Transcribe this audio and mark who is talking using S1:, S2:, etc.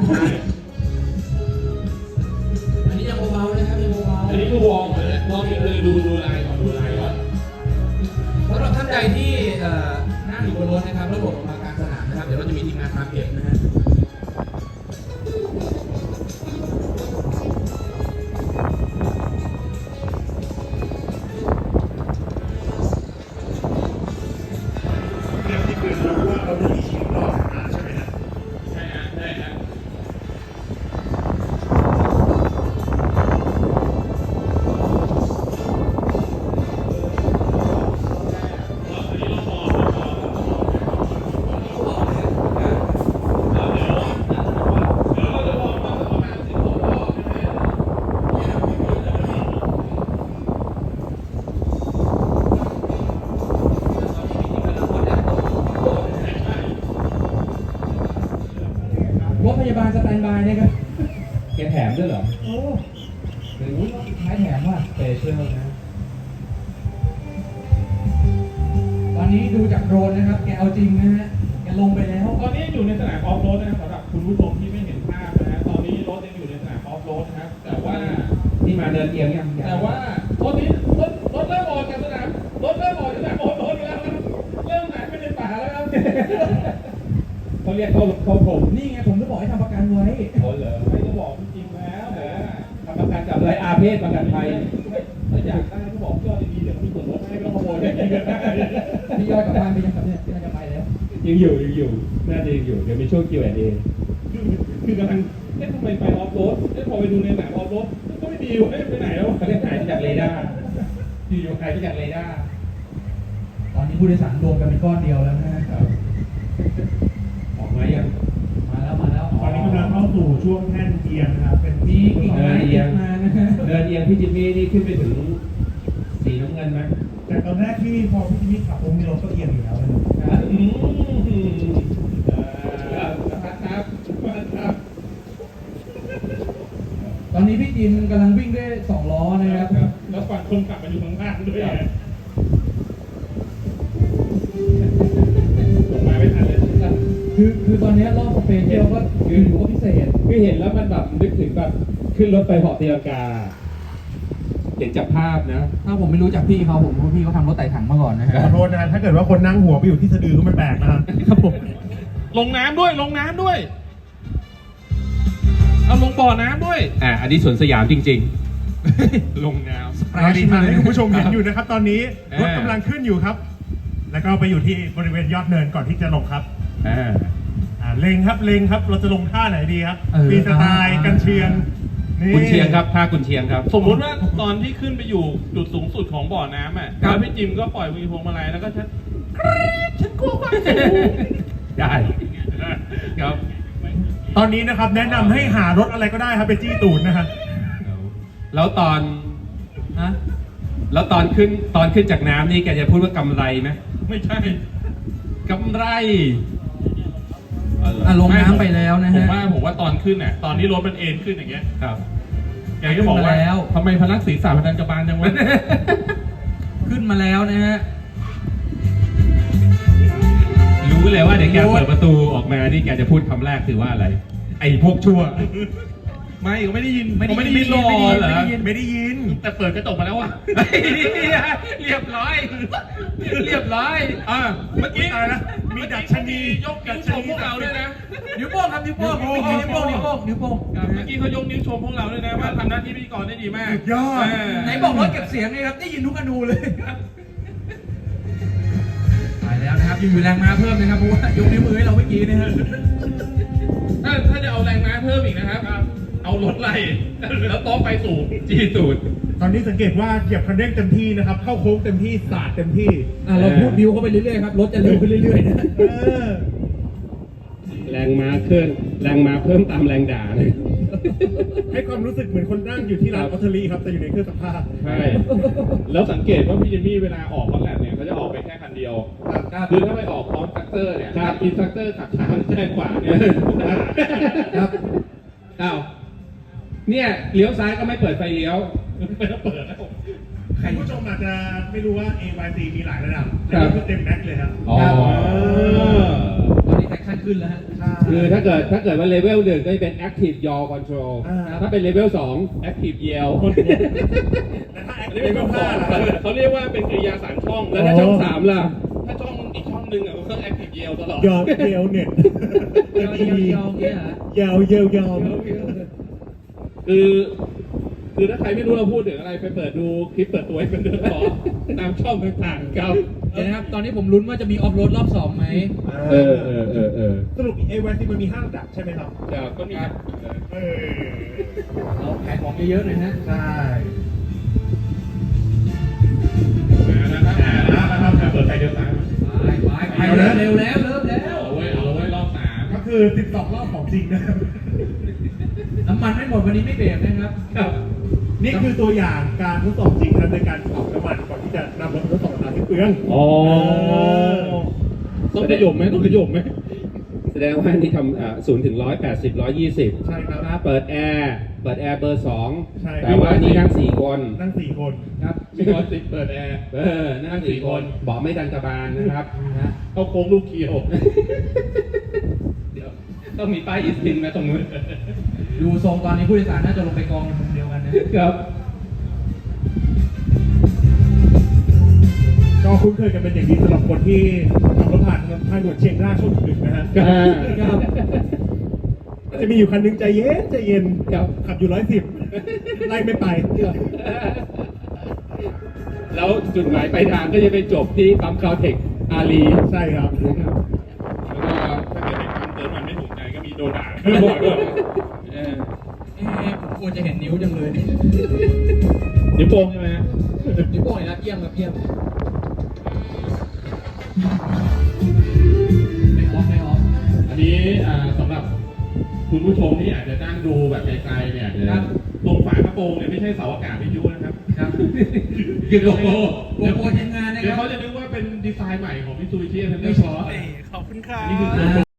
S1: อันนี้ยังเบาๆนะครับยังเบาๆ
S2: อันนี้คือวอร์มเลยดูลายก่อน
S1: สำหรับท่านใดที่นั่งอยู่บนรถนะครับระบบออกมากลางสนามนะครับเดี๋ยวเราจะมีทีมงานมาเก็บนะฮะรถพยาบาลสแตนบายนะครับแกแถมด้วยเหรอโอ้หรือท้ายแถมว่าเปเชียลนะตอนนี้ดูจากโดรนนะครับแกเอาจริงนะฮะแกลงไปแล้ว
S2: ตอนนี้อยู่ในสนามออฟโรดนะครับสำหรับคุณผู้ชมที่ไม่เห็นภาพนะฮะตอนนี้รถยังอยู่ในสนามออฟโรดนะครับแต่ว่า
S1: นี่มาเดินเอียงยัง
S2: แต่ว่ารถนี้รถเริ่มออกจากสนามรถเริ่มออกจากสนามออฟโรดไปแล้วครับเริ่มหายไปในป่าแล้วครับเขาเรียกเขาผม
S1: นี่ไงผมจะบอกให้ทำประกันไว้
S2: เขาเหรอไม่ต้องบอกจริงๆแล้ว
S1: ทำประกันกับอะไรอาเพศประกันภัย
S2: ถ้าอยากได้ก็บอกยอดดีๆเดี๋ยวมีส่วนลดให้ไม่ต้องขโมยได้
S1: พี่ยอดกลับบ้านไปยังครับเนี่ยพี่ยอดจะไปแล้ว
S2: ยังอยู่น่าจะยังอยู่เดี๋ยวมีช่วง Q&A คือกำลังทำไมไปออฟโรดพอไปดูในหนังออฟโรดก็ไม่ดีวะไปไหนแล้ว
S1: เขาเรียกหายไปจากเรดาร์อยู่หายไปจากเรดาร์ตอนนี้ผู้โดยสารรวมกันเป็นก้อนเดียวแล้วนะครับ
S2: ออกมายัง
S1: มาแล้ว
S3: ตอนนี้กำลังเข้าสู่ช่วงแท่นเอียงนะครับเป็น
S1: มีกิ่งไม้เอียงมานะฮะ
S2: เดินเอียงพี่จิมมี่นี่ขึ้นไปถึงสีน้ำเงินไหม
S3: แต่ตอนแรกที่พอพี่จิมมี่ขับผมมีรถก็เอียงอยู่แล้วเลย
S2: ครับ
S1: ตอนนี้พี่จิมกำลังวิ่งด้วย2 ล้อนะครับ
S2: แล้วฝั่งคนขับมาอยู่ข้างล่างด้วยมาไม่ทันเลย
S1: คือตอนนี้รอบสเปเชียลก็อยู่ก็พิเศษ
S2: คือเห็นแล้วมันแบบนึกถึงแบบขึ้นรถไปเหาะตีลังกาเห็นจากภาพนะ
S1: ถ้าผมไม่รู้จักพี่เขาผมรู้พี่เขาทำรถไต่ถังมาก่อนนะฮะ
S3: ขอโทษนะถ้าเกิดว่าคนนั่งหัวไปอยู่ที่สะดือก็ไม่แปลกนะครับ
S1: ครับผม
S2: ลงน้ำด้วยเอาลงบ่อน้ำด้วยอันนี้สวนสยามจริงๆลงน้ำ
S3: เราดีมากให้คุณผู้ชมเห็นอยู่นะครับตอนนี้รถกำลังขึ้นอยู่ครับแล้วก็ไปอยู่ที่บริเวณยอดเนินก่อนที่จะลงครับเล็งครับเราจะลงท่าไหนดีครับฟรีสไตล์กันเชียง
S2: กุนเชียงครับท่ากุนเชียงครับสมมติว่าตอนที่ขึ้นไปอยู่จุดสูงสุดของบ่อน้ำแล้วพี่จิมก็ปล่อยมือพวงมาลัยแล้วก็ฉันกลัวความสูงได้ครับ
S3: ตอนนี้นะครับแนะนำให้หารถอะไรก็ได้ครับไปจี้ตูดนะครับ
S2: แล้วตอนขึ้นจากน้ำนี่แกจะพูดว่ากำไรไหมไม่ใช่กำไร
S1: ลงน้ำไปแล้วนะฮะ
S2: ผมว่าตอนขึ้นเนี่ยตอนนี้รถมันเอ็นขึ้นอย่างเงี้ยครับแกก็บอกว่าทำไมพนักศีรษะพนักกระบาลจังวะ
S1: ขึ้นมาแล้วนะฮะ
S2: รู้เลยว่าเดี๋ยวแกเปิดประตูออกมานี่แกจะพูดคำแรกคือว่าอะไรไอ้พวกชั่วไม่ก็ไม่ได้ยินไม่ได้ยินแต่เปิดกระจกมาแล้วว่ะเรียบร้อยเมื่อกี้มีดัชนียกนิ้วชมพวกเราด้วยนะ
S1: นิ้วโป้งครับนิ้วโป้งเมื่อกี้
S2: เขายกนิ้วชมพวกเราด้วยนะว่าทำหน้าที่พิธีกรได้ดีมาก
S3: ยอด
S1: ไหนบอกรถเก็บเสียงนี่ครับได้ยินทุกอนูเลยไปแล้วนะครับอยู่แรงม้าเพิ่มนะครับเพราะว่ายกนิ้วมือให้เราเมื่อกี้นะฮะ
S2: ถ้าจะเอาแรงม้าเพิ่มอีกนะครับเอารถไล่แล้วโต๊ะไปสู่จีตูด
S3: ตอนนี้สังเกตว่าเหยียบคันเร่งเต็มที่นะครับเข้าโค้งเต็มที่สาดเต็มที่
S1: เราพูดบิวเข้าไปเรื่อยๆครับรถจะเร็วขึ้นเรื่อยๆนะ
S2: แรงม้าเพิ่มตามแรงด่าเลย
S3: ให้ความรู้สึกเหมือนคนนั่งอยู่ที่ร้านออเทอรี่ครับแต่อยู่ในเครื่องซักผ้า
S2: ใช่แล้วสังเกตว่าพี่จิมมี่เวลาออกคอนแลบเนี่ยเขาจะออกไปแค่คันเดียวคือถ้าไปออกพร้อมซักเตอร์เนี่ยอินซักเตอร์ขับช้าแจ้งกว่าเนี่ยครับเนี่ยเลี้ยวซ้ายก็ไม่เปิดไฟเลี้ยวไม่ต้องเปิดแล้ว
S3: คุณผู้ชมอาจจะไม่รู้ว่า AYC มีหลายระดับแต่นี่คือเต็มแม็กเลยครับ
S1: ตอนนี้แท็กขั้นขึ้นแล้วฮะ
S4: คือถ้าเกิดว่าเลเวล 1ก็จะเป็น active yaw control ถ้าเป็นเลเวล 2 active yell
S3: แต่ถ้า
S4: เล
S3: active
S4: เวล
S3: 5 ล่ะ
S4: 2เขาเรียกว่าเป็นกริยา3ช่อง แล้วถ้าช่อง 3 ล่ะ
S2: ถ้าช่องอีกช่องหนึงอ่ะมันก็ active yell ตลอด
S3: ยอมเยลเน็ต
S1: ยาวเนี่ยฮะ
S3: ยาวเยลยอม
S4: คือถ้าใครไม่รู้เราพูดถึงอะไรไปเปิดดูคลิปเปิดตัวให้เป็นเรื่องต่อตามช่องต่างๆครับ
S1: เดี๋ยวนะครับ ตอนนี้ผมลุ้นว่าจะมีออฟโรดรอบ2ไหม
S3: สรุปเอวันซีมันมี5ระดับใช่ไหมครับ
S4: ก็มี
S3: เอา
S1: ขายของเยอะๆหน่อยนะ
S3: ใช่
S2: นะครับเปิดไฟเดียวกัน
S1: ไปเร็วแล้วเริ่มแล้ว
S2: เอาไว้รอบ3
S3: ก็คือ12รอบของจริงนะครับ
S1: น้ำมันไม่หมดวันนี้ไม่เบรกนะครับ
S3: นี่คือตัวอย่างการทดสอบจริงนะครับในการเผาน้ำมันก่อนที่จะนำรถทดสอบน้ำที่เปลือง
S4: อ๋อ
S2: ต้องขยมไหมต้องขยมไหม
S4: แสดงว่านี่ทำ0 ถึง 180 120
S3: ใช่ครับ
S4: เปิดแอร์เบอร์
S3: ใช่
S4: 2แต่ว่านี่นั่ง4 คน
S3: นั่ง4 คน
S1: ครับ
S2: มีคนติดเปิดแอร์
S4: นั่ง4 คนเบอกไม่ดันกระบาลนะครับ
S2: เข้าโค้งลูกเคียว
S4: เดี๋ยวต้องมีป้ายอิสตินมาตรงนู้น
S1: ดูทรงตอนนี้ผู้โดยสารน่าจะลงไปกองมุมเดียวกันนะครับ
S3: ก็คุ้นเคยกันเป็นอย่างดีสำหรับคนที่ขับรถผ่านทางด่วนเชียงรากช่วงดึกๆนะฮะ
S4: ครับ
S3: จะมีอยู่คันหนึงใจเย็น
S4: ครับ
S3: ขับอยู่110ไล่ไม่ไป
S4: แล้วจุดหมายปลายทางก็จะไปจบที่ปั๊มคาวเทคอารี
S3: ใช่ครับ
S4: นะครับ
S2: แล้วก็ถ้าเกิดเป็นการเติมมันไม่ถูกใจก็มีโดนด่า
S1: ผมควรจะเห็นนิ้วจังเลย
S2: นิ้วโป้งใช่ไหมฮะ
S1: นิ้วโป้งนะเยี่ยมครับเยี่ยมไม่ออฟ
S2: อันนี้สำหรับคุณผู้ชมที่อาจจะนั่งดูแบบไกลๆเนี่ยตรงฝากระโปรงเนี่ยไม่ใช่เสาอากาศวิทยุนะครับ
S1: ครับ
S2: คือโลโก้
S1: โลโก้ทีมงานนะ
S2: เดี๋
S1: ค
S2: ยว
S1: รับ
S2: เขาจะนึกว่าเป็นดีไซน์ใหม่ของมิตซูบิชิเทนเนอ
S1: ไม่
S2: ร์
S1: ใช่
S2: ซอส
S3: ขอบคุณครับ
S2: นี่คือ